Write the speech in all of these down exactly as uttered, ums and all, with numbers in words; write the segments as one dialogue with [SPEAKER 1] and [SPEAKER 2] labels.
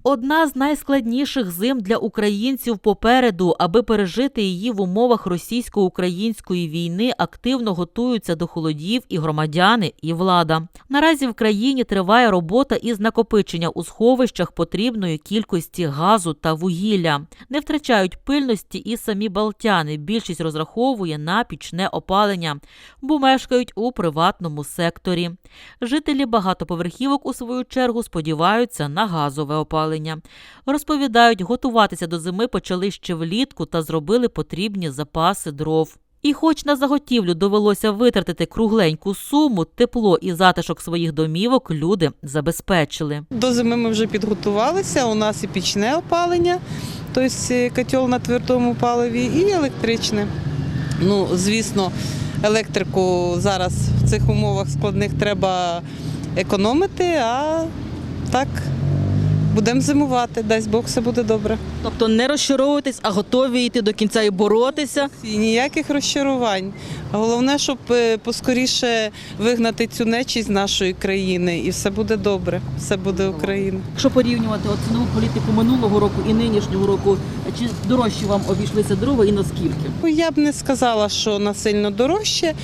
[SPEAKER 1] Одна з найскладніших зим для українців попереду. Аби пережити її в умовах російсько-української війни, активно готуються до холодів і громадяни, і влада. Наразі в країні триває робота із накопичення у сховищах потрібної кількості газу та вугілля. Не втрачають пильності і самі балтяни. Більшість розраховує на пічне опалення, бо мешкають у приватному секторі. Жителі багатоповерхівок, у свою чергу, сподіваються на газове опалення. Розповідають, готуватися до зими почали ще влітку та зробили потрібні запаси дров. І хоч на заготівлю довелося витратити кругленьку суму, тепло і затишок своїх домівок люди забезпечили.
[SPEAKER 2] До зими ми вже підготувалися, у нас і пічне опалення, тобто котел на твердому паливі, і електричне. Ну, звісно, електрику зараз в цих умовах складних треба економити, а так будемо зимувати, дасть Бог, все буде добре.
[SPEAKER 3] Тобто не розчаровуйтесь, а готові йти до кінця і боротися?
[SPEAKER 2] І ніяких розчарувань. Головне, щоб поскоріше вигнати цю нечість з нашої країни, і все буде добре, все буде Україна.
[SPEAKER 3] Якщо порівнювати от цінову політику минулого року і нинішнього року, чи дорожче вам обійшлися дрова і наскільки?
[SPEAKER 2] Я б не сказала, що насильно дорожче.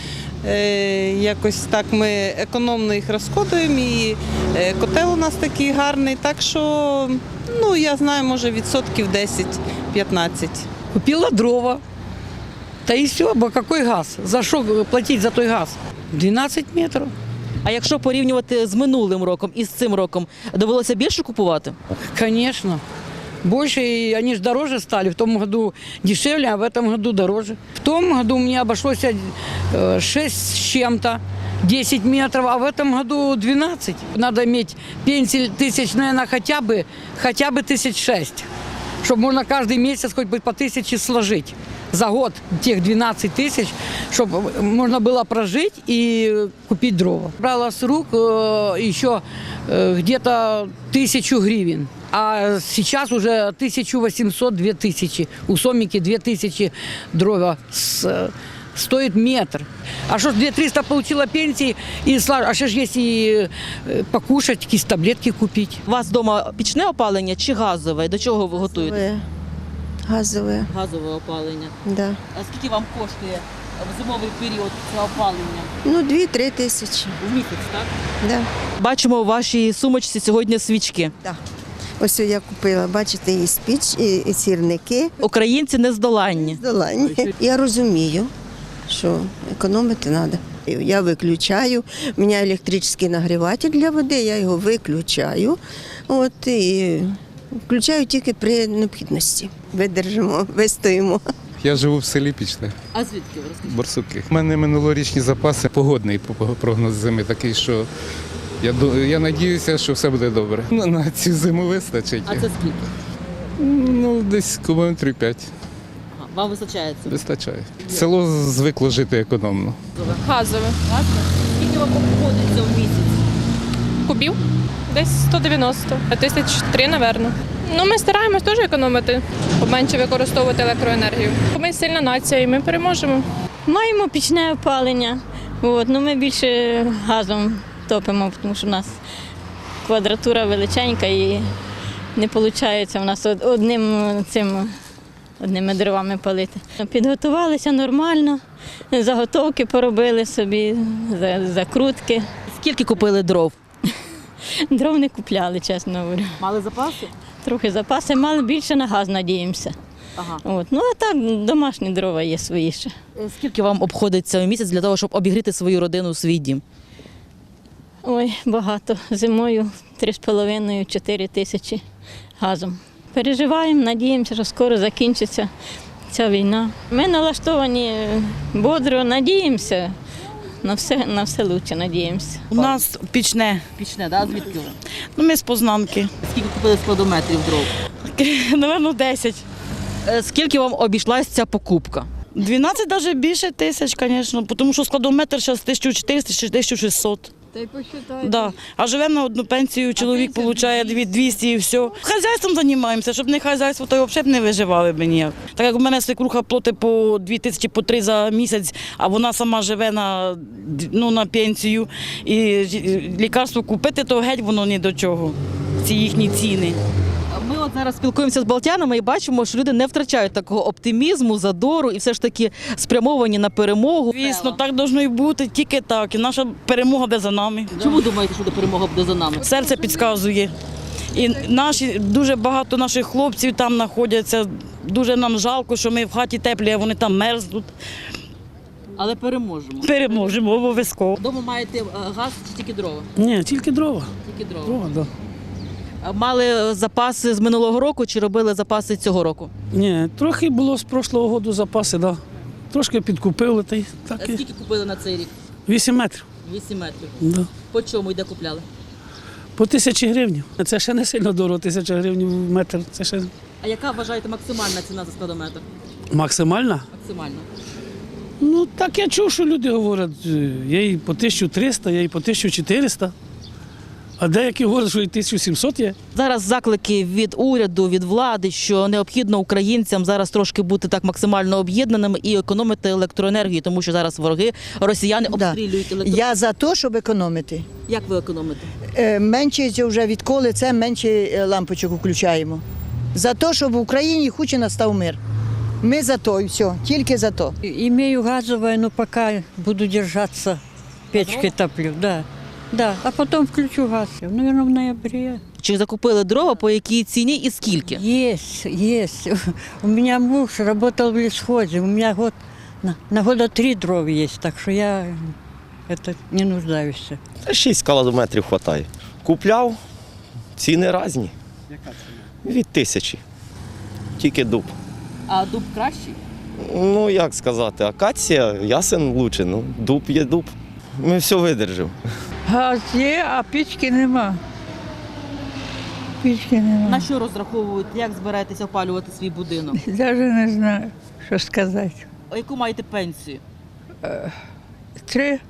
[SPEAKER 2] Якось так ми економно їх розходуємо, і котел у нас такий гарний, так що, ну, я знаю, може відсотків десять-п'ятнадцять.
[SPEAKER 4] Купила дрова, та і все, бо який газ? За що платити за той газ? дванадцять метрів.
[SPEAKER 3] А якщо порівнювати з минулим роком і з цим роком, довелося більше купувати?
[SPEAKER 4] Звісно. Больше, и они же дороже стали. В том году дешевле, а в этом году дороже. В том году мне обошлось шесть с чем-то, десять метров, а в этом году двенадцать. Надо иметь пенсию тысяч, наверное, хотя бы, хотя бы тысяч шесть, чтобы можно каждый месяц хоть бы по тысяче сложить. За год тех двенадцать тысяч, чтобы можно было прожить и купить дрова. Брала с рук еще где-то тысячу гривен. А сейчас уже тысяча восемьсот - две тысячи. У Сомики две тысячи дрова с, стоит метр. А что ж две триста получила пенсии, и, а что ж если покушать, какие таблетки купить?
[SPEAKER 3] У вас вдома пічне опалення чи газове? До чого ви готуєте?
[SPEAKER 5] Газове.
[SPEAKER 3] Газове опалення.
[SPEAKER 5] Да.
[SPEAKER 3] А скільки вам коштує в зимовий період це опалення?
[SPEAKER 5] Ну, дві-три тисячі.
[SPEAKER 3] В місяць, так?
[SPEAKER 5] Да.
[SPEAKER 3] Бачимо у вашій сумочці сьогодні свічки.
[SPEAKER 5] Да. Ось я купила, бачите, і спіч, і, і сірники.
[SPEAKER 3] Українці нездоланні.
[SPEAKER 5] Здолані. Я розумію, що економити треба. Я виключаю, у мене електричний нагріватель для води, я його виключаю. От, і включаю тільки при необхідності. Видержимо, вистоїмо.
[SPEAKER 6] Я живу в селі Пічне,
[SPEAKER 3] А звідки ви розкажіть?
[SPEAKER 6] Борсуки. У мене минулорічні запаси, погодний прогноз зими такий, що я, я надіюся, що все буде добре. Ну, на цю зиму вистачить.
[SPEAKER 3] А це скільки?
[SPEAKER 6] Ну, десь кілометрів п'ять.
[SPEAKER 3] Ага, вам вистачає це?
[SPEAKER 6] Вистачає. Село звикло жити економно.
[SPEAKER 7] Газове.
[SPEAKER 3] Газове? Скільки вам обходиться в місяць?
[SPEAKER 7] Кубів? Десь сто дев'яносто. Тисяч три, напевно. Ну, ми стараємось теж економити, поменше використовувати електроенергію. Ми сильна нація і ми переможемо.
[SPEAKER 8] Маємо пічне опалення. От, ну, ми більше газом топимо, тому що у нас квадратура величенька і не виходить у нас одним цим, одними дровами палити. Підготувалися нормально, заготовки поробили собі, закрутки.
[SPEAKER 3] Скільки купили дров?
[SPEAKER 8] Дров не купляли, чесно говорю.
[SPEAKER 3] Мали запаси?
[SPEAKER 8] Трохи запаси мали, більше на газ надіємося.
[SPEAKER 3] Ага.
[SPEAKER 8] От. Ну а так, домашні дрова є свої ще.
[SPEAKER 3] Скільки вам обходиться в місяць для того, щоб обігріти свою родину, свій дім?
[SPEAKER 8] Ой, багато. Зимою три з половиною - чотири тисячі газом. Переживаємо, надіємося, що скоро закінчиться ця війна. Ми налаштовані бодро, надіємося. На все, на все краще, надіємося.
[SPEAKER 9] У нас пічне.
[SPEAKER 3] Пічне, да? Звідки ви?
[SPEAKER 9] Ну, ми з Познанки.
[SPEAKER 3] Скільки купили складометрів дров?
[SPEAKER 9] Напевно, десять.
[SPEAKER 3] Е, Скільки вам обійшлась ця покупка?
[SPEAKER 9] дванадцять, навіть більше тисяч, звісно, тому що складометр зараз тисяча чотириста - тисяча шістсот.
[SPEAKER 8] Та й посчитайте.
[SPEAKER 9] Да. А живемо на одну пенсію, чоловік отримує двісті і все. Хазяйством займаємося, щоб не хазяйство, то взагалі б не виживали б ніяк. Так як у мене свекруха платить по дві тисячі, по три за місяць, а вона сама живе на, ну, на пенсію. І лікарство купити, то геть воно ні до чого, ці їхні ціни.
[SPEAKER 3] Ми от зараз спілкуємося з балтянами і бачимо, що люди не втрачають такого оптимізму, задору і все ж таки спрямовані на перемогу.
[SPEAKER 9] Звісно, так должно і бути, тільки так. І наша перемога буде за нами.
[SPEAKER 3] Чому думаєте, що перемога буде за нами?
[SPEAKER 9] Серце підказує. І наші, дуже багато наших хлопців там знаходяться. Дуже нам жалко, що ми в хаті теплі, а вони там мерзнуть.
[SPEAKER 3] Але переможемо.
[SPEAKER 9] Переможемо обов'язково.
[SPEAKER 3] Вдома маєте е, газ чи тільки дрова?
[SPEAKER 10] Ні, тільки дрова.
[SPEAKER 3] Тільки дрова.
[SPEAKER 10] Дрова, да.
[SPEAKER 3] А мали запаси з минулого року чи робили запаси цього року?
[SPEAKER 10] Ні, трохи було з прошлого року запаси, да. Трошки підкупили, та й
[SPEAKER 3] А
[SPEAKER 10] так і.
[SPEAKER 3] скільки купили на цей рік?
[SPEAKER 10] Вісім метрів.
[SPEAKER 3] Вісім метрів.
[SPEAKER 10] Да.
[SPEAKER 3] По чому і де купляли?
[SPEAKER 10] По тисячі гривень. Це ще не сильно дорого, тисяча гривень в метр. Це ще
[SPEAKER 3] А яка вважаєте максимальна ціна за складометр?
[SPEAKER 10] максимальна.
[SPEAKER 3] Максимальна.
[SPEAKER 10] Ну, так я чув, що люди говорять, є і по тисячу триста, є і по тисячу чотириста. А деякі говорять, що і тисячу сімсот є.
[SPEAKER 3] Зараз заклики від уряду, від влади, що необхідно українцям зараз трошки бути так максимально об'єднаними і економити електроенергію, тому що зараз вороги, росіяни
[SPEAKER 11] Да.
[SPEAKER 3] обстрілюють електроенергію.
[SPEAKER 11] Я за те, щоб економити.
[SPEAKER 3] Як ви економите?
[SPEAKER 11] Е, Менше цього вже відколи це менше е, лампочок включаємо. За те, щоб в Україні хоч і настав мир. Ми за то і все, тільки за то.
[SPEAKER 12] Имею газовое, но пока буду держаться, печкой топлю, да. Да, а потом включу газ, наверное, в ноябре.
[SPEAKER 3] Чи закупили дрова, по якій ціні і скільки?
[SPEAKER 12] Есть, есть. У меня муж работал в лесхозе, у меня год, на, на года три дров есть, так что я это не нуждаюсь.
[SPEAKER 13] Шість кілометрів вистачає. Купляв, ціни різні.
[SPEAKER 10] Яка ціна?
[SPEAKER 13] Від тисячі. Тільки дуб.
[SPEAKER 3] А дуб кращий?
[SPEAKER 13] Ну, як сказати, акація, ясен лучше, ну, дуб є дуб. Ми все видержимо.
[SPEAKER 12] Газ є, а печки нема. Печки нема.
[SPEAKER 3] На що розраховують, як збираєтеся опалювати свій будинок?
[SPEAKER 12] Даже не знаю, що сказати.
[SPEAKER 3] А яку маєте пенсію?
[SPEAKER 12] Три,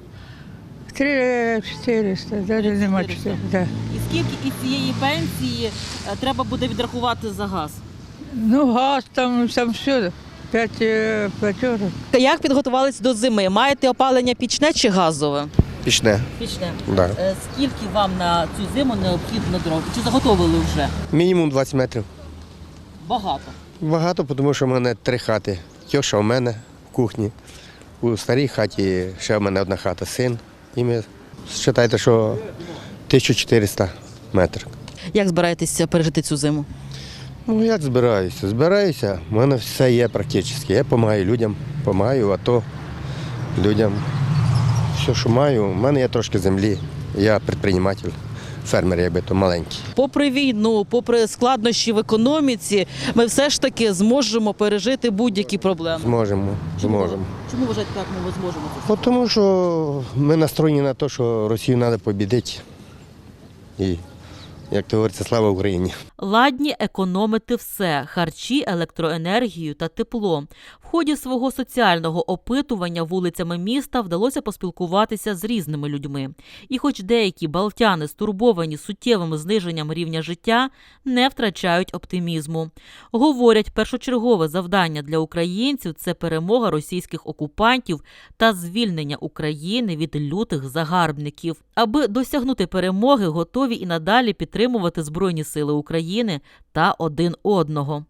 [SPEAKER 12] три чотириста, даже нема чотириста. Да.
[SPEAKER 3] І скільки із цієї пенсії е, треба буде відрахувати за газ?
[SPEAKER 12] Ну, газ там, там все, п'ять е, платежок.
[SPEAKER 3] Як підготувалися до зими? Маєте опалення пічне чи газове?
[SPEAKER 13] Пішне.
[SPEAKER 3] Пічне.
[SPEAKER 13] Да.
[SPEAKER 3] Е, Скільки вам на цю зиму необхідно дров? Чи заготовили вже?
[SPEAKER 14] Мінімум двадцять метрів.
[SPEAKER 3] Багато.
[SPEAKER 14] Багато, тому що в мене три хати. Тьоша у мене в кухні. У старій хаті ще в мене одна хата, син. І ми вважайте, що тисяча чотириста метрів.
[SPEAKER 3] Як збираєтеся пережити цю зиму?
[SPEAKER 14] Ну як збираюся? Збираюся, в мене все є практично. Я допомагаю людям, допомагаю АТО, людям. Все, що маю, у мене є трошки землі. Я підприємець, фермер, якби то маленький.
[SPEAKER 3] Попри війну, попри складнощі в економіці, ми все ж таки зможемо пережити будь-які проблеми.
[SPEAKER 14] Зможемо, зможемо.
[SPEAKER 3] Чому вважаєте, так ми зможемо це?
[SPEAKER 14] От тому що ми настроєні на те, що Росію треба побідити. І, як то говориться, слава Україні.
[SPEAKER 1] Ладні економити все – харчі, електроенергію та тепло. В ході свого соціального опитування вулицями міста вдалося поспілкуватися з різними людьми. І хоч деякі балтяни, стурбовані суттєвим зниженням рівня життя, не втрачають оптимізму. Говорять, першочергове завдання для українців – це перемога російських окупантів та звільнення України від лютих загарбників. Аби досягнути перемоги, готові і надалі підтримувати Збройні сили України та один одного.